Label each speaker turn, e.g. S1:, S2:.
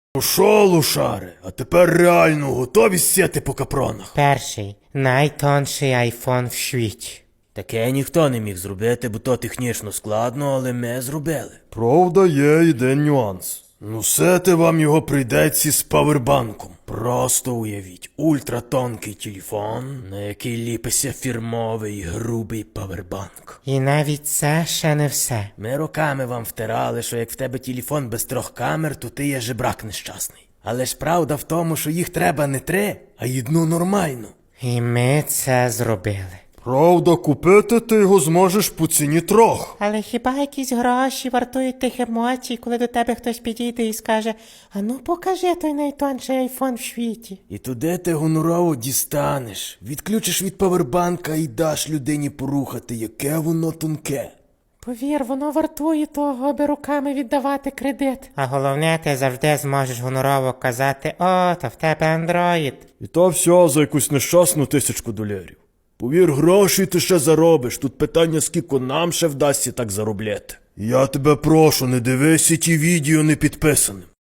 S1: Ну шо, лошари, а тепер реально готові сіти по капронах?
S2: Перший, найтонший айфон в світі.
S3: Таке ніхто не міг зробити, бо то технічно складно, але ми зробили.
S1: Правда, є один нюанс. Ну сети вам його прийдеться з павербанком.
S3: Просто уявіть, ультратонкий телефон, на який ліпиться фірмовий грубий павербанк.
S2: І навіть це ще не все.
S3: Ми роками вам втирали, що як в тебе телефон без 3 камер, то ти є жебрак нещасний. Але ж правда в тому, що їх треба не 3, а 1 нормальну.
S2: І ми це зробили.
S1: Правда, купити ти його зможеш по ціні 3.
S2: Але хіба якісь гроші вартують тих емоцій, коли до тебе хтось підійде і скаже: «А ну покажи той найтонший айфон в світі».
S3: І туди ти гонорово дістанеш, відключиш від павербанка і даш людині порухати, яке воно тонке.
S2: Повір, воно вартує того, аби руками віддавати кредит. А головне, ти завжди зможеш гонорово казати: «О, то в тебе андроїд».
S1: І то все за якусь нещасну $1000. Повір, гроші ти ще заробиш. Тут питання, скільки нам ще вдасться так заробляти. Я тебе прошу, не дивися ті відео не підписаним.